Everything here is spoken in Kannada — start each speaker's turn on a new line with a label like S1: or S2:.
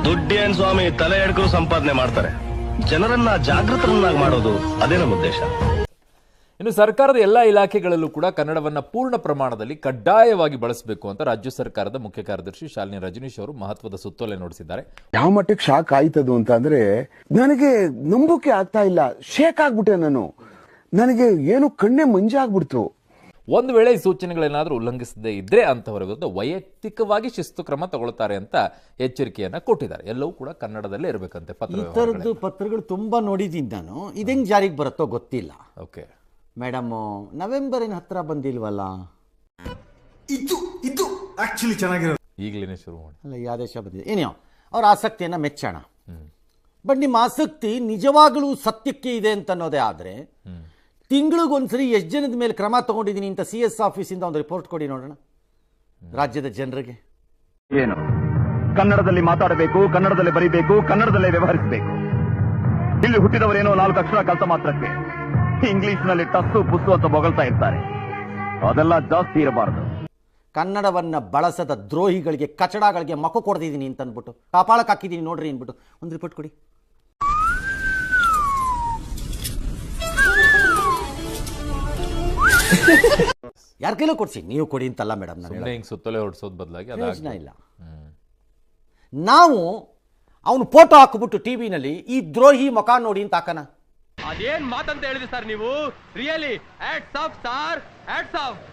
S1: ದುಡ್ಡೇನ್ ಸ್ವಾಮಿ ತಲೆ ಎಡ್ಕರು ಸಂಪಾದನೆ ಮಾಡ್ತಾರೆ. ಜನರನ್ನ ಜಾಗೃತರನ್ನಾಗಿ ಮಾಡೋದು ಅದೇ ನಮ್ಮ ಉದ್ದೇಶ.
S2: ಇನ್ನು ಸರ್ಕಾರದ ಎಲ್ಲಾ ಇಲಾಖೆಗಳಲ್ಲೂ ಕೂಡ ಕನ್ನಡವನ್ನ ಪೂರ್ಣ ಪ್ರಮಾಣದಲ್ಲಿ ಕಡ್ಡಾಯವಾಗಿ ಬಳಸಬೇಕು ಅಂತ ರಾಜ್ಯ ಸರ್ಕಾರದ ಮುಖ್ಯ ಕಾರ್ಯದರ್ಶಿ ಶಾಲಿನಿ ರಜನೀಶ್ ಅವರು ಮಹತ್ವದ ಸುತ್ತೋಲೆ ಹೊರಡಿಸಿದ್ದಾರೆ.
S3: ಯಾವ ಮಟ್ಟಕ್ಕೆ ಶಾಕ್ ಆಯ್ತದು ಅಂತ ಅಂದ್ರೆ ನನಗೆ ನಂಬೋಕೆ ಆಗ್ತಾ ಇಲ್ಲ. ಶೇಕ್ ಆಗ್ಬಿಟ್ಟೆ ನಾನು. ನನಗೆ ಏನು ಕಣ್ಣೆ ಮಂಜಾಗ್ಬಿಡ್ತು.
S2: ಒಂದು ವೇಳೆ ಈ ಸೂಚನೆಗಳೇನಾದ್ರೂ ಉಲ್ಲಂಘಿಸದೇ ಇದ್ರೆ ಅಂತವರ ವಿರುದ್ಧ ವೈಯಕ್ತಿಕವಾಗಿ ಶಿಸ್ತು ಕ್ರಮ ತಗೊಳ್ತಾರೆ ಅಂತ ಎಚ್ಚರಿಕೆಯನ್ನ ಕೊಟ್ಟಿದ್ದಾರೆ. ಎಲ್ಲವೂ ಕೂಡ ಕನ್ನಡದಲ್ಲೇ ಇರಬೇಕಂತೆ.
S4: ಈ ಥರದ್ದು ಪತ್ರಗಳು ತುಂಬಾ ನೋಡಿದ್ದೀನಿ ನಾನು. ಇದೆಂಗ್ ಜಾರಿಗೆ ಬರುತ್ತೋ ಗೊತ್ತಿಲ್ಲ.
S2: ಓಕೆ
S4: ಮೇಡಮ್, ನವೆಂಬರಿನ ಹತ್ರ ಬಂದಿಲ್ವಲ್ಲ.
S5: ಇದು ಆಕ್ಚುಲಿ ಚೆನ್ನಾಗಿರೋದು.
S2: ಈಗಲೇ ಶುರು ಮಾಡಿ
S4: ಅಲ್ಲ, ಈ ಆದೇಶ ಬಂದಿದೆ. ಏನೋ ಅವ್ರ ಆಸಕ್ತಿಯನ್ನ ಮೆಚ್ಚೋಣ. ಬಟ್ ನಿಮ್ಮ ಆಸಕ್ತಿ ನಿಜವಾಗಲೂ ಸತ್ಯಕ್ಕೆ ಇದೆ ಅಂತ ಅನ್ನೋದೇ ಆದರೆ ತಿಂಗಳಿಗೊಂದ್ಸರಿ ಎಷ್ಟು ಜನದ ಮೇಲೆ ಕ್ರಮ ತಗೊಂಡಿದ್ದೀನಿ ಅಂತ CS ಆಫೀಸಿಂದ ಒಂದು ರಿಪೋರ್ಟ್ ಕೊಡಿ ನೋಡೋಣ ರಾಜ್ಯದ ಜನರಿಗೆ.
S6: ಏನು ಕನ್ನಡದಲ್ಲಿ ಮಾತಾಡಬೇಕು, ಕನ್ನಡದಲ್ಲಿ ಬರೀಬೇಕು, ಕನ್ನಡದಲ್ಲೇ ವ್ಯವಹರಿಸಬೇಕು. ಇಲ್ಲಿ ಹುಟ್ಟಿದವರೇನೋ 4 ಅಕ್ಷರ ಕಲಿತ ಮಾತ್ರಕ್ಕೆ ಇಂಗ್ಲಿಷ್ ನಲ್ಲಿ ಟಸ್ಸು ಪುಸ್ಸು ಅಂತ ಬೊಗಳ್ತಾ ಇರ್ತಾರೆ. ಅದೆಲ್ಲ ಜಾಸ್ತಿ ಇರಬಾರದು.
S4: ಕನ್ನಡವನ್ನ ಬಳಸದ ದ್ರೋಹಿಗಳಿಗೆ, ಕಚಡಗಳಿಗೆ ಮಕ್ಕ ಕೊಡ್ತಿದ್ದೀನಿ ಅಂತ ಅಂದ್ಬಿಟ್ಟು ಕಾಪಾಳಕ್ಕೆ ಹಾಕಿದ್ದೀನಿ ನೋಡ್ರಿ ಅಂದ್ಬಿಟ್ಟು ಒಂದು ರಿಪೋರ್ಟ್ ಕೊಡಿ. ಯಾರ ಕೈಲೂ ಕೊಡ್ಸಿ, ನೀವು ಕೊಡಿ ಅಂತಲ್ಲ ಮೇಡಮ್.
S2: ಹಿಂಗ್ ಸುತ್ತೋಲೆ ಹೊರಡಿಸೋದ್ ಬದಲಾಗಿ
S4: ಪ್ರಯೋಜನ ಇಲ್ಲ. ನಾವು ಅವನು ಫೋಟೋ ಹಾಕ್ಬಿಟ್ಟು ಟಿವಿನಲ್ಲಿ ಈ ದ್ರೋಹಿ ಮುಖ ನೋಡಿ ಅಂತ ಹಾಕನ.
S7: ಅದೇನ್ ಮಾತಂತ ಹೇಳಿದ್ರಿ ಸರ್ ನೀವು? Really hats off sir, hats of.